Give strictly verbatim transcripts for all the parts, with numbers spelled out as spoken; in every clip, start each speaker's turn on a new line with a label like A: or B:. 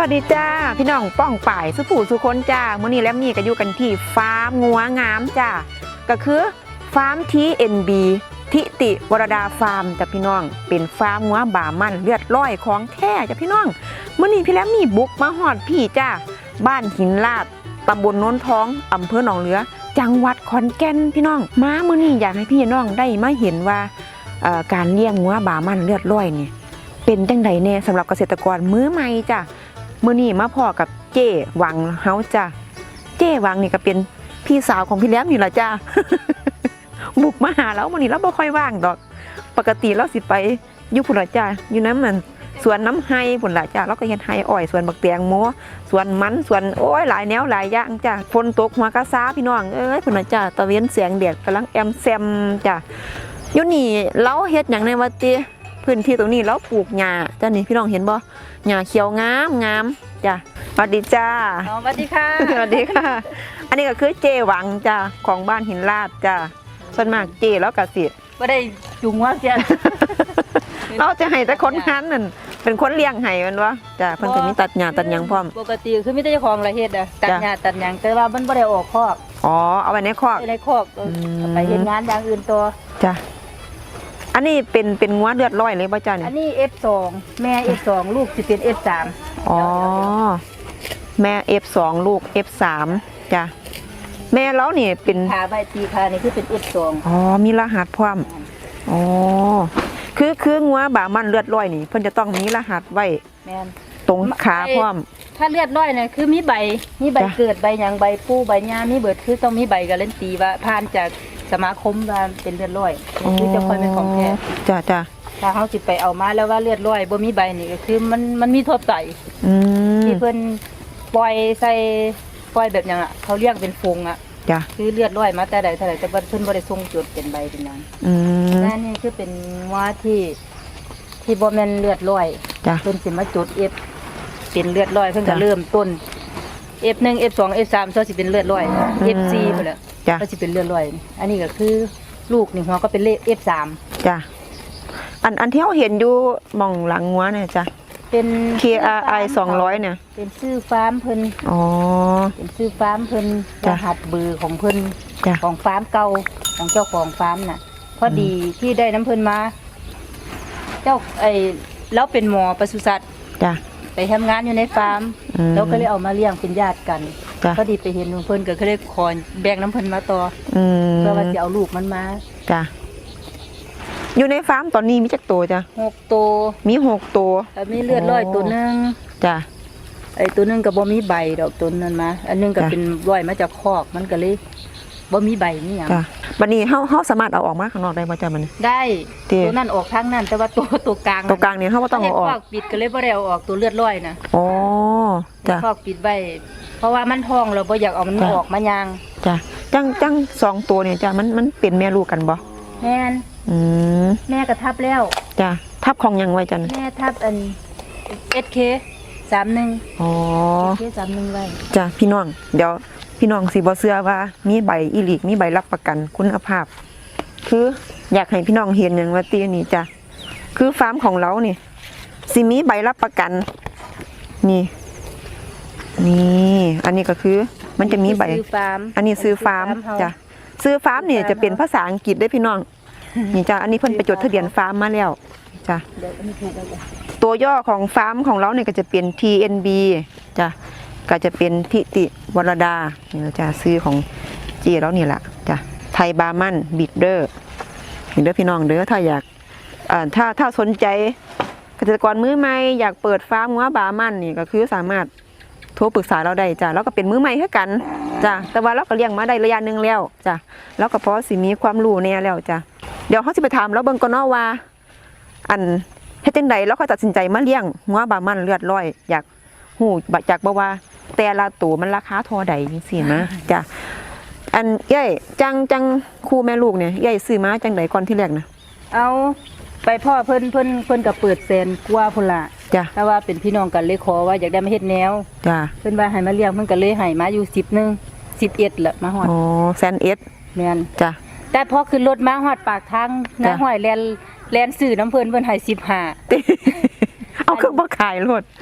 A: วัสดีจ้าพี่น้องป้องป่ายสุผู้สุคนจ้ามื้อนี้แลมนี่ก็อยู่กันที่ฟาร์มงัวงามจ้าก็คือฟาร์ม ที เอ็น บี ทิติวรดาฟาร์มจ้าพี่น้องเป็นฟาร์มงัวบามันเลือดร้อยของแท้จ้าพี่น้องมื้อนี้พี่แลมนี่บุกมาฮอดพี่จ้าบ้านหินลาดตำบลโนนท้องอำเภอหนองเหลือจังหวัดขอนแก่นพี่น้องมามื้อนี้อยากให้พี่น้องได้มาเห็นว่าการเลี้ยงงัวบามันเลือดร้อยนี่เป็นจังไดแน่สำหรับเกษตรกรมื้อใหม่จ้ามื้อนี้มาพ่อกับเจ้วังเฮาจ้าเจ้วังนี่ก็เป็นพี่สาวของพี่แหลมนี่ล่ะจ้า บุกมาหาแล้วมื้อนี้เราบ่ค่อยว่างดอกปกติเราสิไปอยู่พุ่นล่ะจ้าอยู่น้ำมันสวนน้ำไห้พุ่นล่ะจ้าเราก็เฮ็ดไห้อ้อยสวนบักแตงโมสวนมันสวนโอ้ยหลายแนวหลายอย่างจ้าฝนตกหัวกะซาพี่น้องเอ้ยพุ่นล่ะจ้าตะเวนแสงแดดกำลังแอมแซมจ้าอยู่นี่เราเฮ็ดหยังในวัดติพื้นที่ตรงนี้เราปลูกหญ้าจ้านี่พี่น้องเห็นบ่หญ้าเขียวงามงามจ้ะสวัสดีจ้า
B: สวัสดีค่ะ
A: สวัสดีค่ะอันนี้ก็คือเจหวังจ้าของบ้านหินลาดจ้าส่วนมากเจแล้วก็สิ
B: ไม่ได้จุงว่าเสีย
A: เราจะให้แต่คนนั้นนั่นเป็นคนเลี้ยงให้มันวะจ้าเพิ่นก็มีตัดหญ้าตัดหยังพร้อม
B: ปกติคือมีแต่เจ้าของละเฮ็ดอ่ะตัดหญ้าตัดหยังแต่ว่ามันบ่ได้ออกคอก
A: อ๋อเอาไว้ในคอก
B: ในคอกไปเฮ็ดงานอย่างอื่นตัว
A: จ้าอันนี้เป็นเป็นงัวเลือดร้อยเลยป่ะจ้าเนี่ย
B: อันนี้ เอฟ สอง แม่ เอฟ สอง ลูกสิเป็น เอฟ สาม
A: อ๋อแม่ เอฟ สอง ลูก เอฟ สาม จ้ะแม่แล้วนี่เป็น
B: ขาใบตีขานี่คือเป็น เอฟ สอง
A: อ๋อมีรหัสพร้อมอ๋อคือคืองัวบามันเลือดร้อยนี่เพิ่นจะต้องมีรหัสไว้
B: แม่น
A: ตรงขาพร้อม
B: ถ้าเลือดร้อยเนี่ยคือมีใบมีใบเกิดใบหยังใบปูใบหญ้ามีเบิดคือต้องมีใบการันตีว่าผ่านจากสมาคมว่าเป็นเลือดร้อยคือจะค่อยเป็นของแท้
A: จ้ะจ้ะ
B: ถ้าเขาสิไปเอามาแล้วว่าเลือดร้อยบ่มีใบนี่ก็คือมันมันมีทั่วไปที่เพิ่นปล่อยใส่ปล่อยแบบอย่างอ่ะเขาเรียกเป็นฟงอ่ะ
A: จ้ะ
B: คือเลือดร้อยมาแต่ใดแต่ใดแต่เพิ่นบ่ได้ส่งจุดเป็นใบเป็นนั้น
A: อืม
B: นั่นนี่คือเป็นว่าที่ที่บ่แม่นเลือดร้อย
A: จ้ะ
B: เพิ่นสิมาจุด F เป็นเลือดร้อยเพิ่นก็เริ่มต้น เอฟ หนึ่ง เอฟ สอง เอฟ สาม ซะสิเป็นเลือดร้อย เอฟ สี่ พุ่นแหละก็สิเป็นเลือดร้อยอันนี้ก็คือลูกนี่หัวก็เป็นเลข เอฟ สาม
A: จ้ะอันอันที่เราเห็นอยู่มองหลังงัวเนี่ยจ้ะ
B: เป็น
A: เค อาร์ ไอ สองร้อยเนี่ย
B: เป็นชื่อฟาร์มเพิ่น
A: อ๋อ
B: เป็นชื่อฟาร์มเพิ่นรหัสเบอร์ของเพิ่นของฟาร์มเก่าของเจ้าของฟาร์มน่ะพอดีที่ได้น้ำเพิ่นมาเจ้าไอ้แล้วเป็นหมอปศุสัตว์
A: จ้ะ
B: ไปทำงานอยู่ในฟาร์มแล้วก็เลยเอามาเลี้ยงเป็นญาติกันพอดีไปเห็นเพิ่นก็เลยขอแบ่งน้ำเพิ่นมาต่อเพื่อว่าจะเอาลูกมันมา
A: จ้ะอยู่ในฟาร์มตอนนี้มีจักตัวจ้ะ
B: หกตัว
A: มีหกตัว
B: มีเลือดร้อยตัวนึง
A: จ้ะ
B: ไอ้ตัวนึงก็บ่มีใบดอกตัวนั้นมาอันนึงก็เป็นร้อยมาจากคอกมันก็เลยบ่มีใบนี่หยัง
A: จ้ะบัดนี้เฮาเฮาสามารถเอาออกมาข้างนอกได้บ่จ้ะมัน
B: ได้ตัวนั้นออกทางนั้นแต่ว่าตัวตัวกลาง
A: ตัวกลางนี่เฮาบ่ต้องเอาออก
B: คอกปิดก็เลยบ่ได้เอาออกตัวเลือดร้อยน่ะ
A: อ๋อจ้ะ
B: คอกปิดไว้เพราะว่ามันท้องเราบ่อยากเอามันออกมายาง
A: จ้ะจังจังสองตัวเนี่ยจ้ะมันมันเป็นแม่ลูกกันบ่
B: แม่น
A: อืม
B: แม่ก็ทับแล้ว
A: จ้ะทับของยังไว้จ้ะ
B: แม่ทับอัน เอส เค สามสิบ
A: อ๋อ
B: เอส เค สามสิบไว้
A: จ้ะพี่น้องเดี๋ยวพี่น้องสิบ่เชื่อว่ามีใบอีหลีกมีใบรับประกันคุณภาพคืออยากให้พี่น้องเห็นอย่างว่าตีนี่จ้ะคือฟาร์มของเรานี่สิมีใบรับประกันนี่นี่อันนี้ก็คือมันจะมีใบอันนี้ซื้อฟาร์มจ้ะซื้อฟาร์มเนี่ยจะเป็นภาษาอังกฤษได้พี่น้องนี่จ้ะอันนี้เพิ่นไปจดทะเบียนฟาร์มมาแล้วจ้ะตัวย่อของฟาร์มของเราเนี่ยก็จะเป็น ที เอ็น บี จ้ะก็จะเป็นทิติวรดานี่เราจะซื้อของจีแล้วนี่แหละจ้ะไทยบามันบิดเดอร์เห็นเด้อพี่น้องเด้อถ้าอยากอ่าถ้าถ้าสนใจเกษตรกรมือใหม่อยากเปิดฟาร์มงัวบามันนี่ก็คือสามารถโทรปรึกษาเราได้จ้ะแล้วก็เป็นมือใหม่เท่ากันจ้ะแต่ว่าเราก็เลี้ยงมาได้ระยะหนึ่งแล้วจ้ะแล้วก็เพราะสิมีความรู้แน่แล้วจ้ะเดี๋ยวเขาจะไปถามแล้วเบิ่งก่อนเนาะว่าอันเฮ็ดจังใดแล้วเขาตัดสินใจมาเลี้ยงงัวบามันเลือดร้อยอยากหูจากบ่ว่าแต่ละตัวมันราคาเท่าใดจังซี่นะจ้ะอันใหญ่จังจังคู่แม่ลูกเนี่ยใหญ่ซื้อมาจังไดก่อนที่แรกนะ
B: เอาไปพ่อเพิ่นเพิ่นเพิ่นก็เปิดแสนกว่าพุ่นล่ะ
A: จ้ะ
B: แต่ว่าเป็นพี่น้องกันเลยขอว่าอยากได้มาเฮ็ดแนว
A: จ้ะ
B: เพิ่นว่าให้มาเลี้ยงเพิ่นก็เลยให้มาอยู่สิบนึงสิบเอ็ดละมาฮอด
A: อ๋อแสนเอ็ด
B: แม่น
A: จ้ะ
B: แต่พอขึ้นรถมาฮอดปากทางน้าห้อยแลนแลนซื้อน้ำเพิ่นเพิ่นให้สิบห้า
A: เอาคือบ่ขายรถ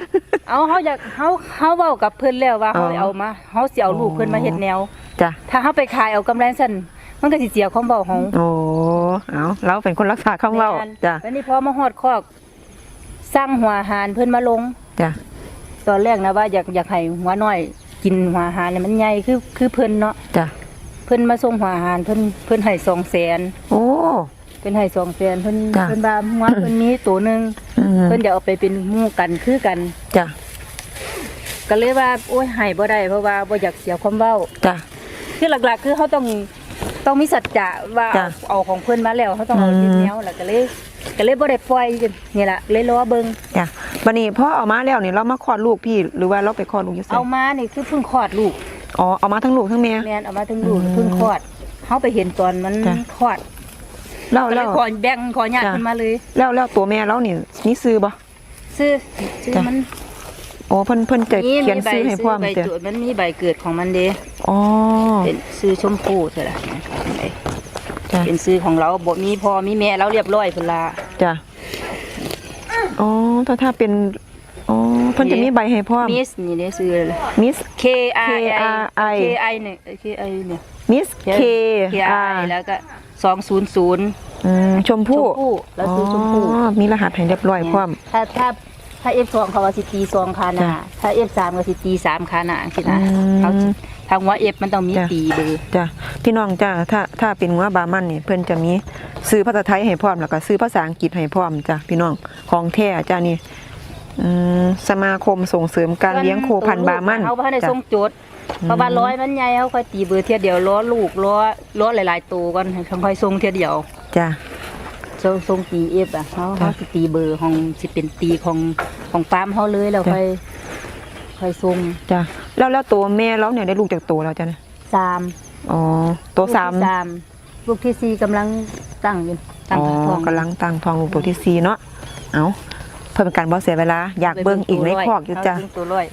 B: เอาเฮาอยากเฮาเฮาเว้ากับเพิ่นแล้วว่า
A: อ๋
B: เฮา
A: อ
B: เอามาเฮาสิเอาลูกเพิ่นมาเฮ็ดแนว
A: จ้ะ
B: ถ้าเฮาไปขายเอากำไรซั่นมันก็สิเสียความเว้าเฮา
A: โอ้เอาเราเป็นคนรักษาคำเว้า
B: แม่น
A: จ้ะ
B: แล้วนี่พอมาฮอดคอกสร้างหัวอาหารเพิ่นมาลง
A: จ้ะ
B: ตอนแรกนะว่าอยากอยากให้หัวน้อยกินหัวอาหารเนี่ยมันใหญ่คือคือเพิ่นเนาะ
A: จ้ะ
B: เพิ่นมาส่งหัวอาหารเพิ่นเพิ่นให้สองแสน
A: โอ้
B: เพิ่นให้สองแสนเพิ่น
A: จ้ะ
B: เพิ่นว่าหัวเพิ่นมีตัวหนึง
A: อืม
B: เพิ่นจะเอาไปเป็นหมู่กันคือกัน
A: จ้ะ
B: ก็เลยว่าโอ้ยให้บ่ได้เพราะว่าบ่อยากเสียความเว้า
A: จ้ะ
B: คือหลักๆ คือเขาต้องต้องมีสัจจะว่า
A: จ้ะ
B: เอาเอาของเพิ่นมาแล้วเขาต้องเอา
A: อืม
B: ที่แนวแล้วก็เลยก็เลยบ่ได้ปล่อยนี่ล่ะเลยรอเบิ่ง
A: จ้ะบัดนี้พ่อเอามาแล้วนี่เรามาคลอดลูกพี่หรือว่าเราไปคลอดลูกอยู่ไส
B: เอามานี่คือเพิ่งคลอดลูก
A: อ๋อเอามาทั้งลูกทั้งแม่
B: แม่นเอามาถึงลูก
A: อืม
B: เพิ่งคลอดเขาไปเห็นตอนมัน
A: จ้ะ
B: คลอด
A: แล้ว
B: ก็เล
A: แล้
B: ยว ขอแบ่งขอญาติ
A: จ้ะ
B: ขึ้นมาเลย
A: แล้วแล้วตัวแม่เรานี่มีซื้อบ่
B: ซื้อซื้อ
A: จ้ะ
B: มัน
A: โอ้เพิ่นเพิ่นจะเขียนซื้อให้พร้อม
B: ใบ
A: เด้อ
B: ตรวจมันมีใบเกิดของมันเด้
A: อ๋อ
B: เป็นซื้อชมพูเท่าไหร่
A: จ้ะ
B: เป็นซื้อของเราบ่มีพ่อมีแม่เราเรียบร้อยพุ่นล่ะ
A: จ้ะอ๋อถ้าถ้าเป็นอ๋อเพิ่นจะมีใบให้พร้อม
B: มิสนี่ได้ซื้อเลย
A: มิส
B: K R I
A: K R I
B: K I เนี่ย K I เนี่ย
A: มิสเค
B: K
A: อา
B: I แล้วก็สองศูนย์ศูนย์
A: อืมชมพู่
B: ชมพู่แล้วซื้อชมพู่
A: อ๋อมีรหัสให้เรียบร้อยพร้อม
B: ถ้าถ้าถ้า F สองเขาว่าสิตีสองคาหนา
A: จ้ะ
B: ถ้า F สามก็สิตีสามคาหนาสินะ
A: อืม
B: เขาสิทางว่า F มันต้องมี
A: จ้ะ
B: ตีเบอร์
A: จ้ะพี่น้องจ้ะถ้าถ้าเป็นงัวบามันนี่เพิ่นจะมีซื้อภาษาไทยให้พร้อมแล้วก็ซื้อภาษาอังกฤษให้พร้อมจ้ะพี่น้องของแท้จ้ะนี่อืมสมาคมส่งเสริมการเลี้ยงโคพันธุ์บามัน
B: เขาบ่ได้
A: จ้ะ
B: ส่งโจทย์เพราะว่าร้อยมันใหญ่เขาค่อยตีเบอร์เทียเดียวล้อลูกล้อล้อหลายๆตัวก่อนเขาค่อยส่งเทียเดียว
A: จ้ะ
B: ส่งส่งตี F อ่ะเขาเขาสิตีเบอร์ของสิเป็นตีของของฟาร์มเขาเลยแล้วค่อยค่อยส่ง
A: จ้ะแล้วแล้วตัวแม่เราเนี่ยได้ลูกจากตัวแล้วจ้ะเนี่ย
B: สาม
A: อ๋อตัวสาม
B: ลูกที่สามลูกที่สี่กำลังตั้งอยู่ตั้ง
A: อ๋อ
B: ท้อง
A: กำลังตั้งท้องลูกตัวที่สี่เนาะเอาเพื่อเป็นการบ่เสียเวลาอยากเบิ่งอีกในคอกอยู่จ้ะ
B: เบิ่งตัวร้อย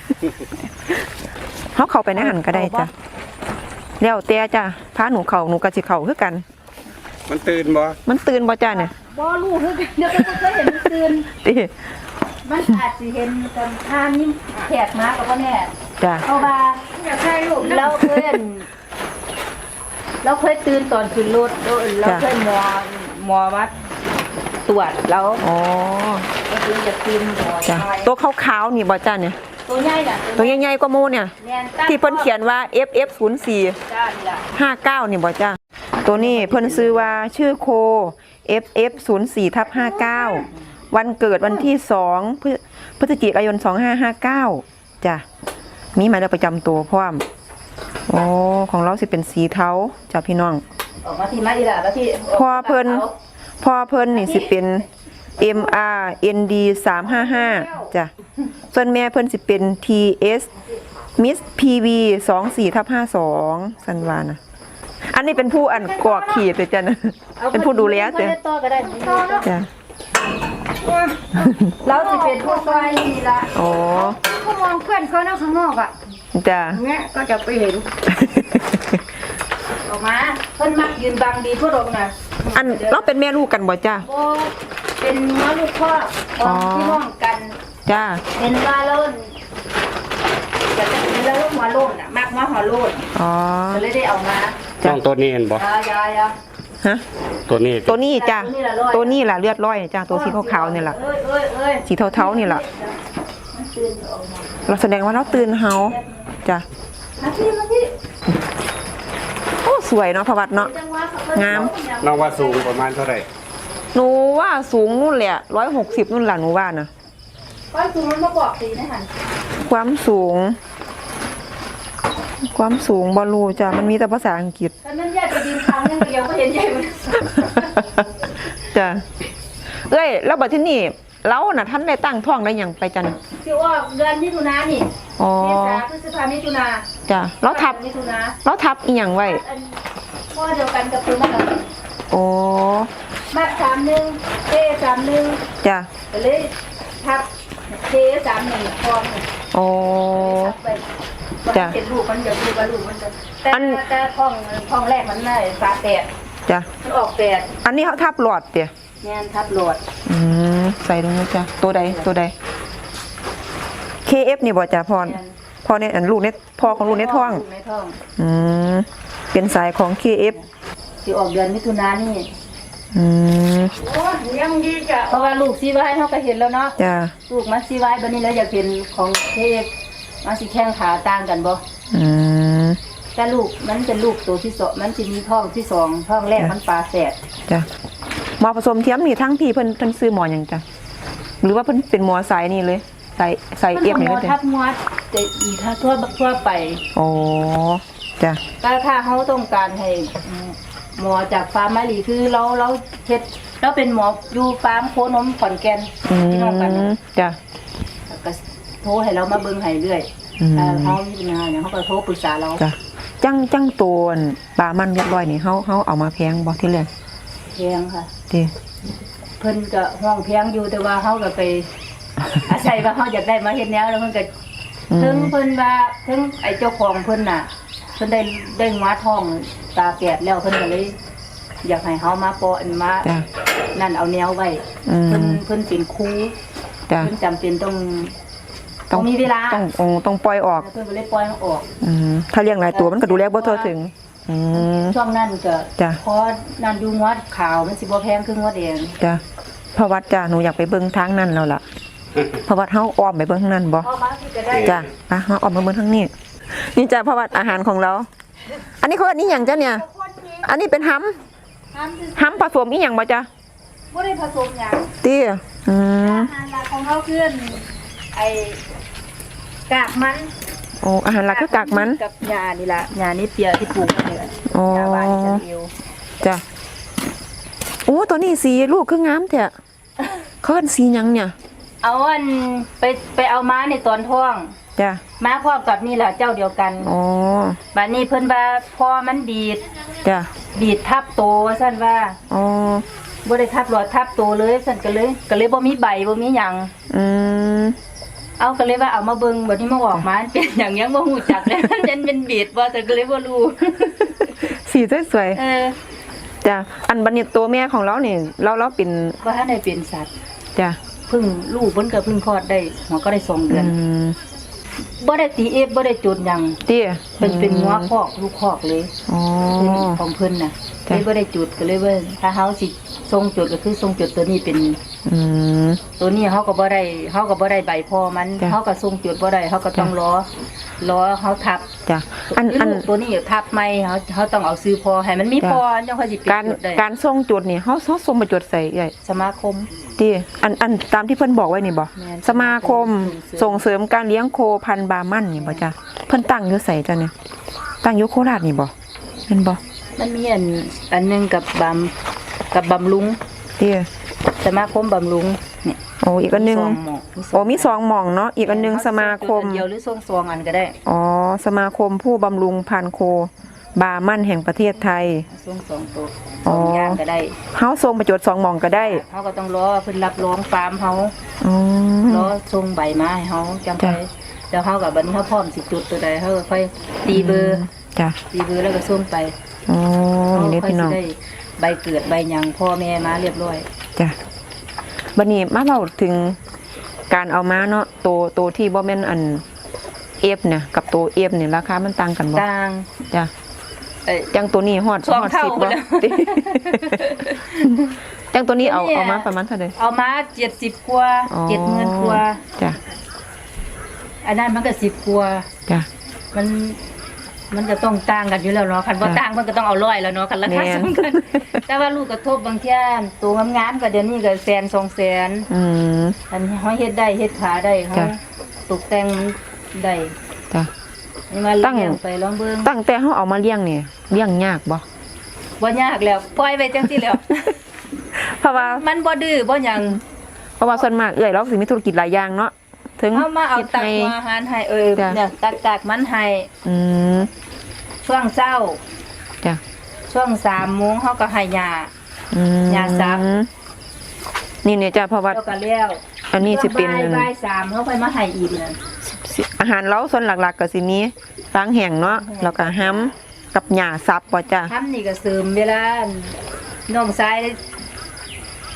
A: เฮาเข้าไปในหันก็ได้จ้ะแล้วแต่จ้ะพาหนูเข้าหนูก็สิเข้าคือกัน
C: มันตื่นบ่
A: มันตื่นบ่จ้ะเนี่ย
B: บ่รู้คือกันเดี๋ยวก็เคยเห็นมันตื่น
A: ติ
B: มันอาจสิเห็นตอนทางนี้แขกมาก็บ่แน่
A: จ้ะ
B: เพราะว่าอยากให้ลูกเราเคยเห็นเราเคยตื่นตอนขึ้นรถเราเราเคยหมอหมอวัดตรวจแล้ว
A: อ๋อ
B: ก็คือจะตื่นหมอ
A: จ้ะตัวขาวๆนี่บ่จ้ะเนี่ย
B: ตัวใหญ่น่ะ
A: ตัวใหญ่ๆกว่าหมู่เนี่ย
B: แม่นตั้ง
A: ที่เพิ่นเขียนว่า เอฟ เอฟ ศูนย์ สี่
B: จ้านี่ล่ะ
A: ห้าเก้านี่บ่จ้ะตัวนี้เพิ่นซื้อว่าชื่อโค เอฟ เอฟ ศูนย์ สี่ ทับ ห้าเก้า วันเกิดวันที่สองพฤพฤศจิกายนสองห้าห้าเก้าจ้ะมีหมายเลขประจำตัวพร้อมโอ้ของเราสิเป็นสีเทาจ้ะพี่น้อง
B: ออกมาที่มาอีหล่ะแล้วที่
A: พอเพิ่น พ่อเพิ่นนี่สิเป็น เอ็ม อาร์ เอ็น ดี สามห้าห้าจ้ะส่วนแม่เพิ่นสิเป็น ที เอส Miss พี วี สองสี่ ทับ ห้าสองสันวานะอันนี้เป็นผู้อันกรอกขีดเลยจ้ะนะเป็นผู้ดูแล
B: เจ้ะ
A: จ้ะ
B: ต่อก็ได้
A: จ้ะ
B: เราสิเป็นผู้ซอยนี่ล่ะ
A: โอ้
D: ก็มองเพื่อนเขานั่งข้างนอกอ่ะ
A: จ้ะ
D: เงี้ยก็จะไปเห็น
B: ออกมาเพิ่นมักยืนบังดีทั่วโลกน่ะ
A: อันเราเป็นแม่ลูกกันบ่จ้ะ
B: บ่เป็นน้อลูกพ่อของพี่น้องกัน
A: จ้ะ
B: เป็นว่าโลนจะเป็นแล้วลูกหัวโลนน่ะมักมาหัวโลน
A: อ๋อ
B: ก็เลยได้เอามา
C: น้องตัวนี้เห็นบ่
B: ยายายา
A: ฮะ
C: ตัวนี้
A: ตัวนี้จ้ะตัวนี้ล่ะเลือดร้อยจ้ะตัวสีขาวๆนี่ล่ะ
B: เอ้ยเอ้ยเอ้ย
A: สีเทาๆนี่ล่ะเราแสดงว่าเราตื่นเฮาจ้ะ
B: มาที่มาที่
A: โอ้สวยเนาะพระวัดเนาะ
B: จังหวะเขา
A: งาม
C: น้องว่าสูงประมาณเท่าไหร่
A: หนูว่าสูงนู่นแหละร้อยหกสิบนู่นแหละหนูว่านะ
B: ก้อยคือมันมาบอกสีนะหัน
A: ความสูง ความสูงบอลูจ้ะมันมีแต่ภาษาอังกฤษ
B: แต่มันแยกไปดินทางนึงเดียวก็เห็นใหญ่มัน
A: จ้ะเอ้ยแล้วบัดที่นี่เราน่ะท่านได้ตั้งท้องได้หยังไปจัน
B: ที่ว่าเดือนมิถุนานี่
A: อ๋อ
B: เมษาพฤษภามิถุนา
A: จ้ะเราทับ
B: มิถุนา
A: เราทับอีหยังไว้
B: อันพ่อเดียวกันกับตัวมัน
A: โอ้
B: มัดสามหนึ่งเอสามหนึ่ง
A: จ้ะ
B: ก็เลยทับเคสามหนึ่งฟองหนึ่ง
A: โอ้
B: ทับไป
A: จ้ะ
B: มันเป็นลูกมันเดี๋ยวลูกกับลูกมันจะแต่
A: อัน
B: แต่ท้องท้องแรกมันได้ฝาแตก
A: จ้ะ
B: มันออกแตก
A: อันนี้เขาทับหลอดเตี่ย
B: งานทับโหลด
A: อืมใส่ลงเลยจ้ะตัวใดตัวใดเค เอฟ นี่บ่จ้ะพ่อพ่อในอันลูกในพ่อของลูกในท้อง
B: ลูกในท้อง
A: อืมเป็นสายของ เค เอฟ
B: สิออกเดือนมิถุนายนนี่
A: อืม
D: โอ้ยยังดีจ้ะ
B: เพราะว่าลูกซีไว้เฮาก็เห็นแล้วเนาะ
A: จ้ะ
B: ลูกมาซีไว้บัดนี้แล้วอยากเห็นของเทพมาสิแข้งขาต่างกันบ่
A: อืม
B: แต่ลูกมันเป็นลูกตัวที่สองมันสิมีท้องที่สองท้องแรกมันปลาแฝด
A: จ้ะหมอผสมเทียมนี่ทั้งพี่เพิ่นเพิ่นซื้อหมอหยังจ้ะหรือว่าเพิ่นเป็นหมอสายนี่เลยสายสายเอฟนี่
B: หม
A: เล
B: อย
A: จ้ะ
B: ทับงวดแต่อีถ้าทั่วทั่วไป
A: โอ้จ้ะ
B: ถ้าถ้าเขาต้องการให้หมอจากฟาร์มมาลีคือเราเราเฮ็ดเราเป็นหมออยู่ฟาร์มโคนมขอนแก่น
A: อื
B: พี่น้องกัน
A: มจ้ะ
B: ก็โทรให้เรามาเบิ่งให้เรื่อย
A: อืม
B: ถ้าเขามีปัญหาเนี่ยเขาก็โทรปรึกษาเรา
A: จ้ะจังจังตัวอั่นปลามันเรียบร้อยนี่เฮาเฮาเอามาแพงบ่ที่แรก
B: แพงค่ะ
A: ติ
B: เพิ่นก็ห้องแพงอยู่แต่ว่าเขาก็ไป อาศัยว่าเขาอยากได้มาเฮ็ดแนวแล้วเพิ่นก็
A: อื
B: ถึง
A: ม
B: เพิ่นว่าถึงไอ้เจ้าของเพิ่นน่ะเพิ่นได้ได้งวท้องตาแปดแล้วเพิ่นก็เลย อยากให้เฮามาปออันมา
A: จ้ะ
B: นั่นเอาแนวไว้
A: อืม
B: เพิ่นเพิ่นเป็นครู
A: จ้ะ
B: เพิ่นจำเป็นต้องต้องมีเวลา
A: ต้องต้องต้องปล่อยออก
B: เพิ่นก็เลยปล่อยมันออก
A: อืมถ้าเลี้ยงหลายตัวมันก็ดูแลบ่ทั่วถึง อืม
B: ช่วงนั้นก็
A: จ้ะ
B: พอนั่นดูงวดขาวมันสิบ่แพงคืองวดแดง
A: จ้ะเพราะวัดจ้ะหนูอยากไปเบิ่งทางนั้นแล้วล่ะเพราะวัดเฮาอ้อมไปเบิ่งทางนั้นบ่
B: พอมาที่จะได้
A: จ้ะไปเฮาอ้อมมาเบิ่งทางนี้นี่จ้ะเพราะวัดอาหารของเรา อันนี้เขาอันนี้หยังจ้ะเนี่ย อันนี้เป็นหำ
B: ทำคือ
A: หำผสมอีหยังบ่จ้ะ
B: บ่ได้ผสมหยัง
A: ติอืม
B: อาหารหลักของเฮาคือไอ้กากมัน
A: โอ้อาหารหลักคือกากมัน
B: กับหญ้านี่ล่ะหญ้านี่เปียที่ปลูกไว้นี่แหละ
A: อ๋อ
B: หญ้าบ้านฉันเอว
A: จ้ะโอ้ตัวนี้สีลูกคืองามแท้เขาเอิ้นสีหยังเนี่ย
B: เอาอันไปไปเอาม้าในตอนท้อง
A: จ้ะ
B: ม้าพร้อมกับนี่แหละเจ้าเดียวกัน
A: อ๋อ
B: บัดนี้เพิ่นว่าพอมันดีด
A: จ้ะ
B: ดีดทับโตว่าซั่นว่า
A: อ๋อ
B: บ่ได้ทับหลอดทับโตเลยซั่นก็เลยก็เลยบ่มีใบบ่มีหยัง
A: อืม
B: เอาก็เลยว่าเอามาเบิ่งบัดนี้มาออกมาเป็นหยังยังบ่ฮู้จักเลย มันเป็นเป็นบีดบ่แต่ก็เลยบ่รู้
A: สีสวย
B: เออ
A: ๆจ้ะอันบัดนี้ตัวแม่ของเรานี่เราเราเป็น
B: บ่ทันได้เป็นสัตว์
A: จ้ะ
B: เพิ่งลูกเพิ่นก็เพิ่งคลอดได้หัวก็ได้สองเดื
A: อื
B: อน
A: ม
B: บ่ได้ตีเอฟบ่ได้จุดหยัง
A: เตี้ย
B: เป็นเป็นงัวคอกลูกคอกเลย
A: อ๋อ
B: ของเพิ่นน่ะ
A: จ้ะ
B: เลยบ่ได้จุดก็เลยว่าถ้าเฮาสิส่งจุดก็คือส่งจุดตัวนี้เป็น
A: อืม
B: ตัวนี้เฮาก็บ่ได้เฮาก็บ่ได้ใบพอมัน
A: จ้ะ
B: เฮาก็ส่งจุดบ่ได้เฮาก็ต้อง
A: จ้ะ
B: รอรอเฮาทับ
A: จ้ะอัน
B: คือ
A: อัน
B: ลูกตัวนี้ทับใหม่เฮาเฮาต้องเอาซื้อพอให้มันมี
A: จ้ะ
B: พอจังค่อยสิปิด
A: การ
B: จุดได้
A: การส่งจุดนี่เฮาเฮาส่งมาจุดใส่ใหญ่
B: สมาคม
A: ที่อันอันตามที่เพิ่นบอกไว้นี่บ่
B: แม่น
A: สมาคม
B: ส่
A: ส่ง
B: ง
A: เสริมการเลี้ยงโคพันธุ์บาร์มันนี่บ่จ้ะเพิ่นตั้งอยู่ไสจ้ะเนี่ยตั้งอยู่โคราชนี่บ่แม่นบ่
B: มันมีอันอันหนึงกับบำกับบำรุง
A: เตี้ย
B: สมาคมบำรุงเนี่ย
A: โอ้อีกอันหนึง
B: สองหม้อ
A: โอ้มีสองหม่องเนาะอีกอันหนึงสมาคม
B: จุดอันเดียวหรือส่งซองอันก็ได้
A: อ๋อสมาคมผู้บำรุงพันธุ์โคบาร์มันแห่งประเทศไทย
B: ส่งสองตัว
A: อ๋
B: ส
A: อ
B: องอย่างก็ได้
A: เฮาส่งประโยชน์สองหม่องก็ได้
B: เขาก็ต้องรอเพิ่นรับรองฟาร์มเขา
A: อ๋อ
B: รอส่งใบมาให้เขาจังไป
A: จ้ะ
B: แล้วเขากับบัดนี้เขาพร้อมสิจุดตัวใดเขาก็ค่อยตีเบอร์
A: จ้ะ
B: ตีเบอร์แล้วก็ส่งไป
A: อ๋อ
B: เขา
A: นี่
B: ค่อย
A: พี่น้
B: สิ
A: อง
B: ได้ใบเกิดใบหยังพ่อแม่มาเรียบร้อย
A: จ้ะบัดนี้มาเล่าถึงการเอามาเนาะตัวตัวที่บ่แม่นอันเอฟเนี่ยกับตัวเอฟเนี่ยราคามันต่างกันบ่
B: ต่าง
A: จ้ะ
B: เอ้ย
A: จังตัวนี้ฮอด
B: สอง
A: ฮอด
B: เท่า
A: สิบ
B: ไป
A: บ่
B: แล้ว
A: ติ จังตัวนี้เอา
B: ตัวนี้
A: เอามาประมาณเท่าใด
B: เอามาเจ็ดสิบกว่า
A: อ๋อ
B: เจ็ดหมื่นกว่า
A: จ้ะ
B: อันนั้นมันก็สิบกว่า
A: จ้ะ
B: มันมันจะต้องต่างกันอยู่แล้วเนาะคันบ่
A: จ้ะ
B: ต่างมันก็ต้องเอาร้อยแล้วเนาะคันราคา
A: แม่น
B: สำคัญ แต่ว่าลูกกระทบบางเที่ยตัวงามๆก็เดี๋ยวนี้ก็แสนสองแสน
A: อืม
B: อันนี้เขาเฮ็ดได้เฮ็ดขาได้เขา
A: จ้ะ
B: ตกแต่งได้
A: จ้ะ
B: นี่มา
A: ตั้ง
B: เลี้ยงไปลองเบิ่ง
A: ตั้งแต่เฮาเอามาเลี้ยงนี่เลี้ยงยากบ่
B: บ่ยากแล้วปล่อยไว้จังซี่แล้ว
A: เพราะว่า
B: มันบ่ดื้อบ่หยัง
A: เพราะว่าส่วนมากเอ้อยเราสิมีธุรกิจหลายอย่างเนาะถึง
B: เฮามาเอา
A: ฮ็ด
B: ตัก
A: ให้
B: หัวอาหารให้เออ
A: จ้ะ
B: เนี่ยตักตักมันให้
A: อืม
B: ช่วงเช้า
A: จ้ะ
B: ช่วงสามโมงเฮาก็ให้ยา
A: อืม
B: ยาซับ
A: นี่เนี่ยจ้ะเพราะว่า
B: แล้วก็แล้ว
A: อันนี้สิเป็น
B: ช่วงบ่ายบ่ายสามเฮาค่อยมาให้อีกนั่น
A: สิอาหารเราส่วนหลักๆก็สิมีฟางแห้งเนาะแล้วก็ห้ำกับหญ้าซับบ่จ้ะ
B: ทำนี่ก็เสริมเวลาน้องชาย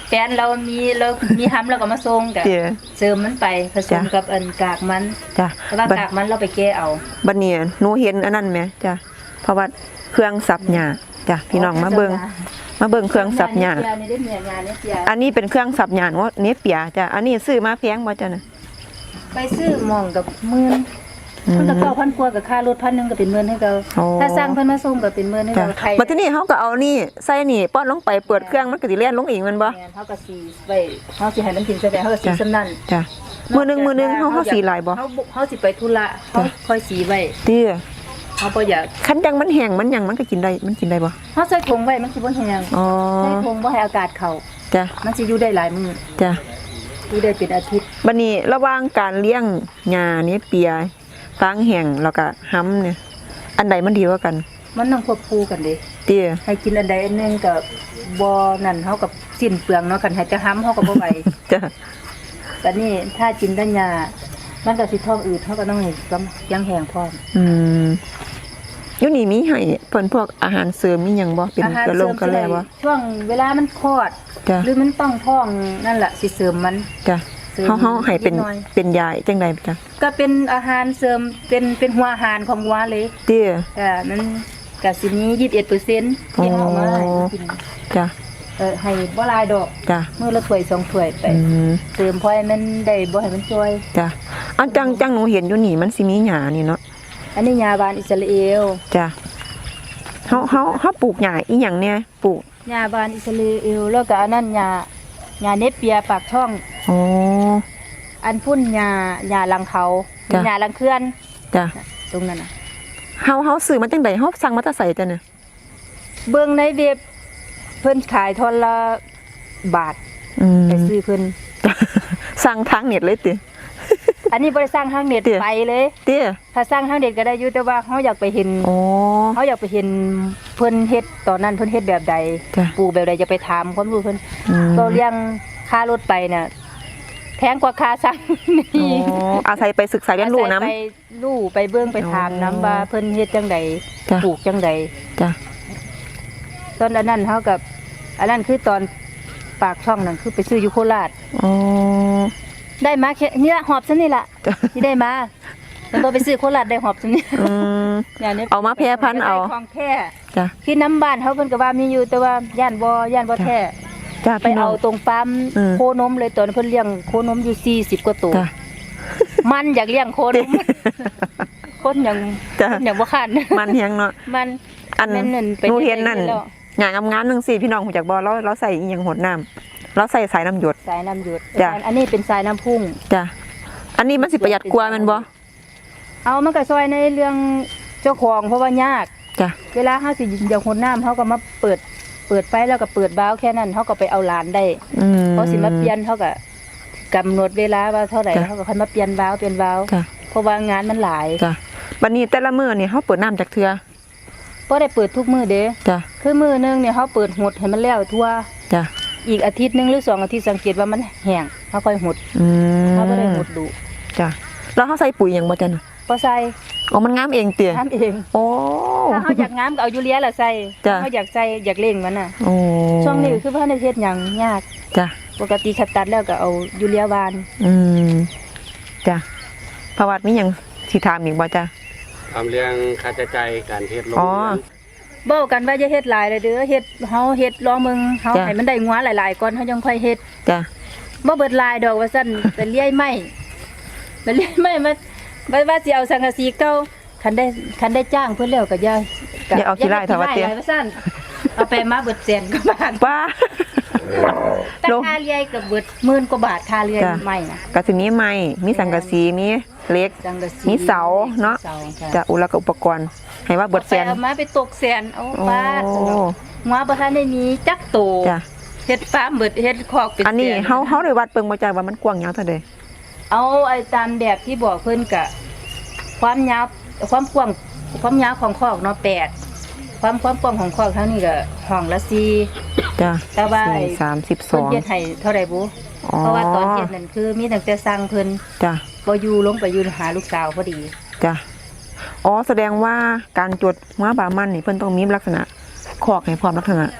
B: แฟนเรามีเรามีห้ำเราก็มาส่งกะ
A: เจ้
B: เสริมมันไปผสม
A: จ้ะ
B: กับอันกากมัน
A: จ้ะ
B: แต่ว่า
A: บัด
B: กากมันเราไปแก้เอา
A: บัดนี้หนูเห็นอันนั้นไหมจ้ะเพราะว่าเครื่องสับหญ้าจ้ะพี่น้องมาเบิ่งมาเบิ่งเครื่องสับหญ้า
B: เนีได้เมียงานเนี่ยเสีย
A: อันนี้เป็นเครื่องสับหญ้าว่าเนเปียจ้ะอันนี้ซื้อมาแพงบ่จ้ะน่ะ
B: ไปซื้อหมองกับหมื่น
A: อืม
B: มันก็เก้าพันกว่ากับค่ารถพันหนึงก็เป็นหมื่นให้เขา
A: โอ้
B: ถ้าสร้างเพิ่นมาส่งก็เป็นหมื่นให้
A: จ้ะ
B: เราใคร
A: บัดทีนี้เฮาก็เอานี่ใส่นี่ป้อนลงไปเปิดเครื่องมันก็สิเล่นลงเองแมันบ่
B: แม่นเฮาก็สีไว้เฮาสิให้มันกินใส่ไปเฮาก็สีสำนั่น
A: จ้ะมื้อหนึงมื้อหนึงเฮาเฮาสีหลายบ่
B: เฮาเฮาสิไปธุระเฮาค่อยสีไว้
A: เตี้ย
B: เฮาบ่อยาก
A: คันจังมันแห้งมันหยังมันก็กินได้มันกินได้บ่
B: เฮาใส่ถุงไว้มันสิบ่แห้ง
A: อ๋อ
B: ใส่ถุงบ่ให้อากาศเข้า
A: จ้ะ
B: มันสิอยู่ได้หลายมื้อ
A: จ้ะ
B: อยู่ได้เป็นอาทิตย์
A: บัดนี้ระหว่างการเลี้ยงหญ้านี่เปียฟางแห้งแล้วก็ห้ำเนี่ยอันใดมันดีกว่ากัน
B: มันต้องควบคู่กันเด้
A: เตี้ย
B: ให้กินอันใดอันหนึงก็บ่นั่นเฮากับสิ้นเปลืองเนาะคันให้จะห้ำเฮาก็บ่ไหว
A: จ้ะ
B: แต่นี่ถ้ากินได้ยามันก็สิท้องอืดเฮาก็ต้องให้กำยังแห้งพร้อม
A: อืมอยู่นี่มีให้เพิ่นพวกอาหารเสริมมีหยังบ่เป็น
B: อาหาร
A: กระ
B: เส
A: ล
B: ริ
A: ง
B: ม
A: กระแลบ่
B: ช่วงเวลามันคลอด
A: จ้ะ
B: หรือมันต้องท้องนั่นแหละสิเสริมมัน
A: จ้ะ
B: เสริม
A: เฮาเฮาให้เป็น
B: นิดหน่อย
A: เป็นยาจังไดจ้ะ
B: ก็เป็นอาหารเสริมเป็นเป็นหัวอาหารของวัวเลย
A: เตี้ย
B: ก็มันก็สิมียี่สิบเอ็ดเปอร์เซ็นต์ที่เฮาเอามาให้มันกิน
A: จ้ะ
B: เออให้บ่หลายดอก
A: จ้ะ
B: มื้อละถ้วยสองถ้วยไป
A: อืม
B: เสริมพอให้มันได้บ่ให้มันช่วย
A: จ้ะอันจังจังหนูเห็นอยู่นี่มันสิมีหญ้านี่เนาะ
B: อันนี้ยาบานอิสราเอล
A: จ้ะเฮาเฮาเฮาปลูกหญ้าอีหยังเนี่ยปลูก
B: ยาบานอิสราเอลแล้วก็อันนั้นยายาเนปเปียปากช่อง
A: อ๋อ
B: อันพุ่นยายาลังเขา
A: จ้ะ
B: ยาลังเคลื่อน
A: จ้ะ
B: ตรงนั้นน่ะ
A: เฮาเฮาซื้อมาจังไดเฮาสั่งมาแต่ไสจ้ะเนี่ย
B: เบิ่งในเว็บเพิ่นขายทอนละบาท
A: อืม
B: ไปซื้อเพิ่น
A: สั่งทางเน็ตเลยติ
B: อันนี้บ่ได้สร้างทางเน็ต
A: เตี้ย
B: ไปเลย
A: เตี้ย
B: ถ้าสร้างทางเน็ตก็ได้อยู่แต่ว่าเฮาอยากไปเห็น
A: อ๋อ
B: เฮาอยากไปเห็นเพิ่นเฮ็ดตอนนั้นเพิ่นเฮ็ดแบบใด
A: จ้ะ
B: ปลูกแบบใดจะไปถามความรู้เพิ่น
A: อืม
B: ก็เลี้ยงค่ารถไปน่ะแพงกว่าค่าสร้าง
A: อ๋
B: นี่
A: ออาศัยไปศึกษาเรียนรู้นำ
B: ไปรู้ไปเบิ่งไปถาม
A: อ๋อ
B: นํว่าเพิ่นเฮ็ดจังใด
A: จ้ะ
B: ปลูกจังใด
A: จ้ะ
B: ตอนอันนั้นเฮากับอันนั้นคือตอนปากช่องนั่นคือไปซื้ออยู่โคราช
A: อ๋อ
B: ได้มาแค่นี่ละหอบซะนี่ล่ะ
A: จ้ะ
B: ที่ได้มาแล้วก็ไปซื้อโคราชได้หอบซะนี่
A: อืม
B: อย่างนี้
A: เอามาแพร่พันธุ์เอา
B: ได้ของแท้
A: จ้ะ
B: คือน้ำบ้านเขาเพิ่นก็ว่ามีอยู่แต่ว่าย่านบ่ย่านบ่แท้
A: จ้ะ
B: ไป
A: พี่น้อ
B: เอา
A: ง
B: ตรงฟาร์ม
A: อืม
B: โคนมเลยตอนนนเพิ่นเลี้ยงโคนมอยู่สี่สิบกว่าตัว
A: จ้ะ
B: มันอยากเลี้ยงโคนมคนยัง
A: จ้ะ
B: คนยังบ่คัน
A: มันเฮียงเนาะ
B: มัน
A: อัน
B: แม่นั่นไป
A: หนูเห็นนั่น
B: แล้ว
A: หยังงามๆนึงสิพี่น้องฮู้จักบ่เราเราใส่อีหยังหดน้ำเราใส่สายน้ำหยด
B: สายน้ำหยด
A: จ้ะ
B: อันนี้เป็นสายน้ำพุ่ง
A: จ้ะอันนี้มันสิประหยัดกว่าแม่นบ่
B: เอามันก็ซอยในเรื่องเจ้าของเพราะว่ายาก
A: จ้ะ
B: เวลาเฮาสิอยากหดน้ำเฮาก็มาเปิดเปิดไฟแล้วก็เปิดวาล์วแค่นั้นเฮาก็ไปเอาหลานได้
A: อืม
B: เขาสิมาเปลี่ยนเฮาก็กำหนดเวลาว่าเท่าไหร่
A: จ้ะ
B: เฮาก็ค่อยมาเปลี่ยนวาล์วเปลี่ยนวาล์ว
A: จ้ะ
B: เพราะว่างานมันหลาย
A: จ้ะบัดนี้แต่ละมื้อนี่เฮาเปิดน้ำจากเทื่อ
B: บ่ได้เปิดทุกมื้อเด้
A: จ้ะ
B: คือมื้อหนึงเนี่ยเฮาเปิดหดให้มันแล้วทั่ว
A: จ้ะ
B: อีกอาทิตย์หนึงหรือสองอาทิตย์สังเกตว่ามันแห้งเฮาค่อยหด
A: อืม
B: เฮาบ่ได้หดดุ
A: จ้ะแล้วเฮาใส่ปุ๋ยหยังบ่จ้ะน่ะ
B: บ่ใส่
A: อ๋อมันงามเองเตี้ย
B: ทำเอง
A: โอ้
B: ถ้าเฮาอยากงามก็เอายูเรียล่ะใส่
A: จ้ะ
B: ถ้าเฮาอยากใส่อยากเล่งมันน่ะ
A: โอ้
B: ช่วงนี้คือว่าในเฮ็ดหยังยาก
A: จ้ะ
B: ปกติขัดตัดแล้วก็เอายูเรียวาน
A: อืมจ้ะประวัติมีหยังสิถามอีกบ่จ้ะ
C: ทำเรื่องค่าใช้จ่ายการเฮ็ดโรง
A: อ๋อ
C: เรือน
B: เบ้ากันว่าจะเฮ็ดหลายเลยเด้อเฮ็ดเฮาเฮ็ดรอมึงเฮา
A: จ้ะ
B: ให้มันได้งัวหลายๆก่อนเฮายังค่อยเฮ็ด
A: จ้ะ
B: บ่เบิดหลายดอกว่าซั่น ไปเลี้ยไม้ไปเลี้ยไม้มาบ่ว่าสิเอาสังกะสีเก่าคันได้คันได้จ้างเพิ่นแล้วก็อย่าก็
A: อย่าเอาขี้ร้ายเถอะว่าเตี้ย
B: หลว่าซั่นเอาไปมาเบิดแสนกว่าบาท
A: ป้า
B: แต่
A: ลง
B: ค่าเลี้ยก็เบิดหมื่นกว่าบาทค่าเลี้ย
A: จ้ะ
B: ไม้น่ะ
A: ก็สิมีไม้มีสังกะสีมีเหล็ก
B: สังกะสี
A: มีเสาเนาะ
B: เสาจ้ะ
A: จ้ะอุแล้วก็อุปกรณ์ให้ว่าเบิดแสน
B: ไปเอามาไปตกแสนเอา
A: โอ้
B: บาทซั่นเนาะงัวบ่ทันได้มีจักโต
A: จ้ะ
B: เฮ็ดฟาร์มเบิดเฮ็ดคอกเป็น
A: อันนี้
B: แส
A: เฮาเฮาได้วัดเบิ่งบ่จ้ะว่ามันกว้างยาวเท่าใด
B: เอาไอ้ตามแบบที่บอกเพิ่นกะความยาวความกว้างความยาวของคอกเนาะแปดความความกว้างของคอกทั้งนี้ก็ห้องละสี่
A: จ้ะ
B: แต่ว่าไอ้
A: สี่สามสิบส
B: เพิ่น
A: อง
B: เฮ็ดให้เท่าใดบุ
A: อ๋อ
B: เพราะว่าตอนเฮ็ดนั่นคือมีตั้งแต่สร้างเพิ่น
A: จ้ะ
B: บ่อยู่ลงไปอยู่หาลูกสาวพอดี
A: จ้ะอ๋อแสดงว่าการจดม้าบามันนี่เพิ่นต้องมีลักษณะคอกให้พร้อมลักษณะ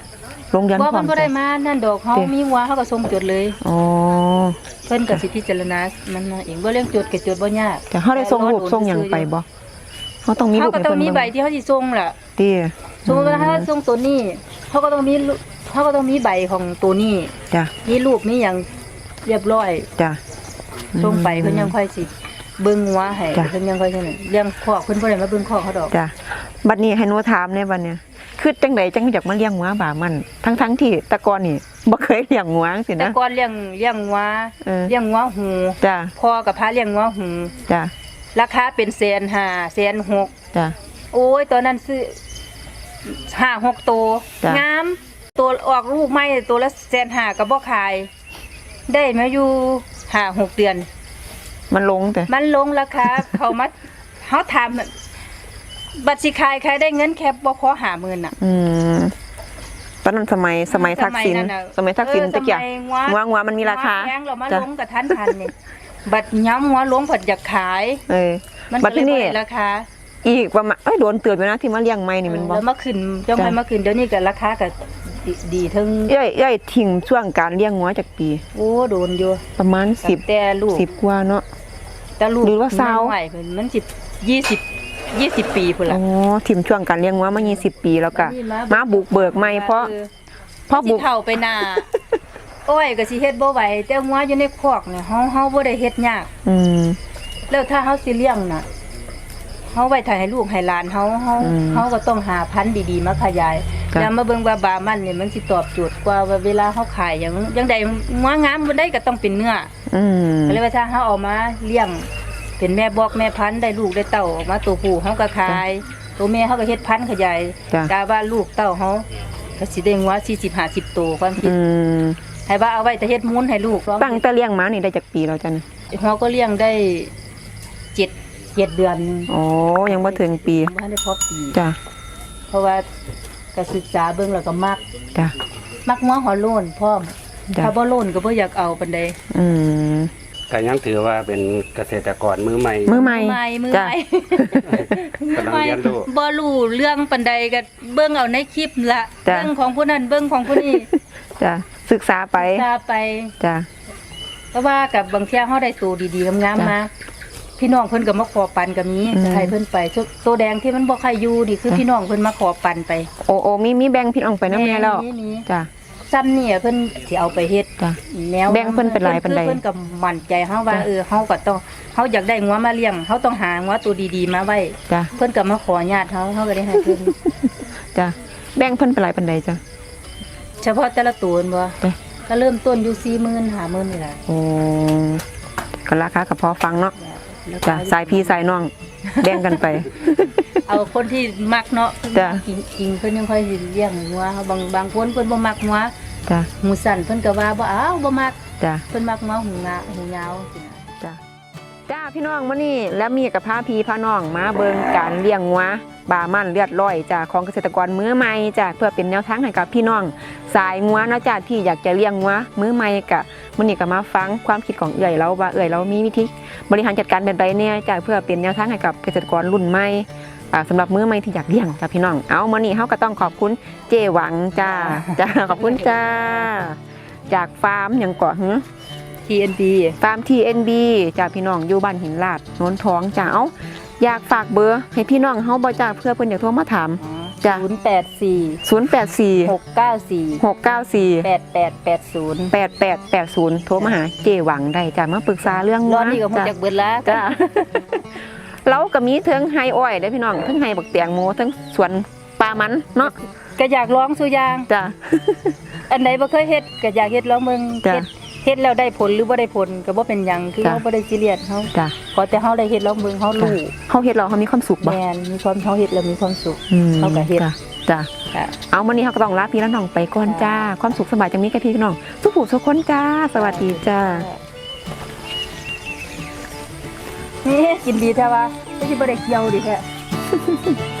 A: ลงเดือน
B: บ่
A: พร้อ
B: มัน
A: ม
B: บ่ได้
A: จ้ะ
B: มานั่นดอกเฮา
A: เด้
B: มีวัวเฮาก็ส่งจดเลย
A: อ๋อ
B: เพิ่นก็สิพิจารณามันมาเองบ่เรื่องจดก็จดบ่ยาก
A: จ้ะเฮาได้ส่งรูปส่งหยังไปบ่เฮาต้องมี
B: เฮา
A: รูป
B: ก็
A: ให้
B: ต้อง
A: เพิ่น
B: มี
A: เบิ่ง
B: ใบที่เฮาสิส่งล่ะ
A: ติ
B: สมมุติว่าถ้าส่งตัวนี้เขาก็ต้องมีรูเขาก็ต้องมีใบของตัวนี้
A: จ้ะ
B: มีรูปมีหยังเรียบร้อย
A: จ้ะ
B: ส่งไปเพิ่นยังค่อยสิเบิ่งหัวให้
A: จ้ะ
B: เพิ่นยังค่อยสินั่นเรื่องคอกเพิ่นบ่ได้มาเบิ่งคอกเขาดอก
A: จ้ะบัดนี้ให้หนูถามในบัดเนี้ยคือจังไดจังอยากมาเลี้ยงงัวบามันทั้งๆที่แต่ก่อนนี่บ่เคยเลี้ยงงัวจังซี่
B: แต่
A: นะ
B: ก่อนเลี้ยงเลี้ยงหัว
A: เออ
B: เลี้ยงหัวหู
A: จ้ะ
B: พ่อกับพาเลี้ยงหัวหู
A: จ้ะ
B: ราคาเป็นแสนห้าแสนหก
A: จ้ะ
B: โอ้ยตอนนั้นซื้อห้าหกตัว
A: จ้ะ
B: งามตัวออกลูกใหม่ตัวละแสนห้าก็บ่ขาย ได้มาอยู่ห้าหกเดือน
A: มันลงแต่
B: มันลงราคา เขามาเขาถามบัตรสิขายใครได้เงินแค่บ่พอหาหมื่นอ่ะ
A: อืมตอนนั้นสมัยสมัยทักษิณ
B: สมัยนั้นน่ะ
A: สมัยทักษิณ
B: เออ
A: ตะเกียบ
B: สมัย
A: งัวงัวมันมีราคา
B: แพงเรามา
A: จ้ะ
B: ลงกับทันทันนี่ บัตรย้ำหัวลงผัดอยากขาย
A: เออ
B: มัน
A: บั
B: ก็
A: ด
B: เลย
A: ที่
B: บ่
A: นี่
B: ได้ราคา
A: อีกประมาณเอ้ยโดนเตือนไปนะที่มาเลี้ยงไม่นี่มันบ่
B: แล้วมาขึ้นจ้องไป
A: จ้ะ
B: มาขึ้นเดี๋ยวนี้ก็ราคาก็ดีดีถึง
A: ย่อยย่อยทิ้งช่วงการเลี้ยงงัวจากปี
B: โอ้โดนอยู่
A: ประมาณสิบ
B: แต่ลูก
A: สิบกว่าเนาะ
B: แต่ลูก
A: หรือว่าสาว
B: ใหม่เพิ่นมันสิบยี่สิบยี่สิบปีพุ่น
A: อ๋
B: ล่ะ
A: อทิ้งช่วงการเลี้ยงงัวมายี่สิบปีแล้วก็
B: นี่
A: มาบุกเบิกไม่เพราะ
B: ออ
A: เพราะ
B: สิ
A: บุก
B: เฒ่าไปหน้า โอ้ยก็สิเฮ็ดบ่ไหวแต่งัวอยู่ในคอกเนี่ยเฮาเฮาบ่ได้เฮ็ดยาก
A: อืม
B: แล้วถ้าเฮาสิเลี้ยงน่ะเฮาไว้ถ่ายให้ลูกให้หลานเฮาเฮา
A: อืม
B: เฮาก็ต้องหาพันธุ์ดีๆมาขยาย
A: จ้ะ
B: แล้วมาเบิ่งว่าบามันเนี่ยมันสิตอบโจทย์กว่าว่าเวลาเฮาขายหยังจังใดงัวงามบ่ได้ก็ต้องเป็นเนื้อ
A: อืม
B: ก็เลยว่าถ้าเฮาเอามาเลี้ยง เป็นแม่บอกแม่พันธุ์ได้ลูกได้เต้าออกมาตัวผู้เฮาก็ขาย ตัวแม่เฮาก็เฮ็ดพันธุ์ขยาย
A: จ้ะ
B: กะว่าลูกเต้าเฮาก็สิได้งัวสี่สิบห้าสิบตัวความคิด
A: อืม
B: ให้ว่าเอาไว้แต่เฮ็ดมูลให้ลูก
A: ตั้งแต่เลี้ยงมานี่ได้จากปีแล้วจ้ะเนี่ย
B: เฮาก็เลี้ยงได้เจ็ดเจ็ดเดือน
A: อ๋อยังบ่ถึงปี
B: บ่ทันได้พอปี
A: จ้ะ
B: เพราะว่าก็ศึกษาเบิ่งแล้วก็มัก
A: จ้ะ
B: มักงัวหัวโล้นพร้อม
A: จ้ะ
B: ถ้าบ่โล้นก็บ่อยากเอาปานใด
A: อืม
C: ก็ยังถือว่าเป็นเกษตรกรมือใหม่
A: มือใหม่
B: ใหม่มือ
A: จ้ะ
B: ใหม่
C: กำลังเรียนรู้
B: บ่รู้เรื่องปานใดก็เบิ่งเอาในคลิปละ
A: จ้ะ
B: เบิ่งของผู้นั้นเบิ่งของผู้นี้
A: จ้ะศึกษาไป
B: ตาไป
A: จ้ะ
B: แต่ว่ากับบางเที่ยเฮาได้ตัวดีๆงาม
A: จ้ะ
B: ๆมาพี่น้องเพิ่นก็มาขอปันก็มี
A: อืม
B: จะให้เพิ่นไปตัวตัวแดงที่มันบ่ใครอยู่นี่คือ
A: จ้ะ
B: พี่น้องเพิ่นมาขอปันไป
A: โอ้โอ้มีมีแบ่งพี่น้องไปนำแม่แล้ว
B: นี่นี่
A: จ้ะ
B: ซ้ำเนี่ยเพิ่นสิเอาไปเฮ็ด
A: จ้ะ
B: แนว
A: แบ่งเพิ่นเป็นหลายปานใด
B: เพิ่นก็มั่นใจเฮาว่า
A: จ้ะ
B: เออเฮาก็ต้องเฮาอยากได้งัวมาเลี้ยงเฮาต้องหางัวตัวดีๆมาไว้
A: จ้ะ
B: เพิ่นก็มาขอญาติเฮาเฮาก็ได้ให้เพิ่น
A: จ้ะแบ่งเพิ่นเป็นหลายปานใดจ้ะ
B: เฉพาะแต่ละตัวนั่นบ่
A: จ้ะ
B: ก็เริ่มต้นอยู่ สี่หมื่น ห้าหมื่นนี่แหละ
A: โอ้ก็ราคาก็พอฟังเนาะ
B: แล้วก็
A: จ้ะสายพี่สายน้องแบ่งกันไป
B: เอาคนที่มักเนาะ
A: จ้ะ
B: กินกินเพิ่นยังค่อยสิเลี้ยงงัวบางบางคนเพิ่นบ่มักงัว
A: จ้ะ
B: หูสั่นเพิ่นก็ว่าบ่เอาบ่มัก
A: จ้ะ
B: เพิ่นมักงัวหูงาหูยาวสินะ
A: จ้ะจ้าพี่น้องมื้อนี้แล้วมีกับพาพี่พาน้องมาเบิ่งการเลี้ยงงัวบามันเลือดร้อยจ้ะของเกษตรกรมือใหม่จ้ะเพื่อเป็นแนวทางให้กับพี่น้องสายงัวเนาะจ้ะที่อยากจะเลี้ยงงัวมือใหม่กะมื้อนี้ก็มาฟังความคิดของเอื้อยเราว่าเอื้อยเรามีวิธีบริหารจัดการเป็นไรเนี่ยจ้ะเพื่อเป็นแนวทางให้กับเกษตรกรรุ่นใหม่อ่าสำหรับมือใหม่ที่อยากเลี้ยงจ้ะพี่น้องเอามื้อนี้เฮาก็ต้องขอบคุณเจหวังจ้าจ้าขอบคุณจ้าจากฟาร์มหยังเกาะหึ
B: ที เอ็น บี
A: ฟาร์ม ที เอ็น บี จ้าพี่น้องอยู่บ้านหินลาดโนนท้องจ้าเอาอยากฝากเบอร์ให้พี่น้องเฮาบ่จ้าเพื่อเพิ่นอยากโทรมาถาม จ้ะ
B: ศูนย์แปดสี่
A: ศูนย์ แปด สี่
B: หกเก้าสี่
A: หกเก้าสี่
B: แปดแปดแปดศูนย์
A: แปดแปดแปดศูนย์โทรมาหาเจหวังได้จ้ามาปรึกษาเรื่อง
B: รอดนี่ก็คง
A: จ้ะ
B: จักเบิดละ
A: จ้า เราก็มีเทิงไฮอ้อยได้อพี่น้องเทิงไฮบักเตียงโมเทิงสวนปลามันเนาะ
B: ก็อยากลองสุอย่าง
A: จ้า
B: อันใดบ่เคยเฮ็ดก็อยากเฮ็ดลองเบิ่ง
A: จ้ะ
B: เฮ็ดเฮ็ดแล้วได้ผลหรือบ่ได้ผลก็บ่เป็นหยังคือ
A: จ้ะ
B: เฮาบ่ได้ซีเรียสเฮา
A: จ้า
B: ขอแต่เฮาได้เฮ็ดลองเบิ่งเฮา
A: จ้า
B: รู้
A: เฮาเฮ็ดเราเฮามีความสุขบ่
B: แม่นมีความเฮาเฮ็ดแล้วมีความสุข
A: อืม
B: เฮาก็เฮ็ด
A: จ้าจ้า
B: ค่ะ
A: เอามื้อนี้เฮาก็ต้องลาพี่และน้องไปก่อนจ้าความสุขสบายจังมีแก่พี่น้องสุขผู้สุขคนจ้า สวัสดีจ้า
B: นี่กินดีแท้ว่าไม่ใช่บ่ได้เกี่ยวดิแท้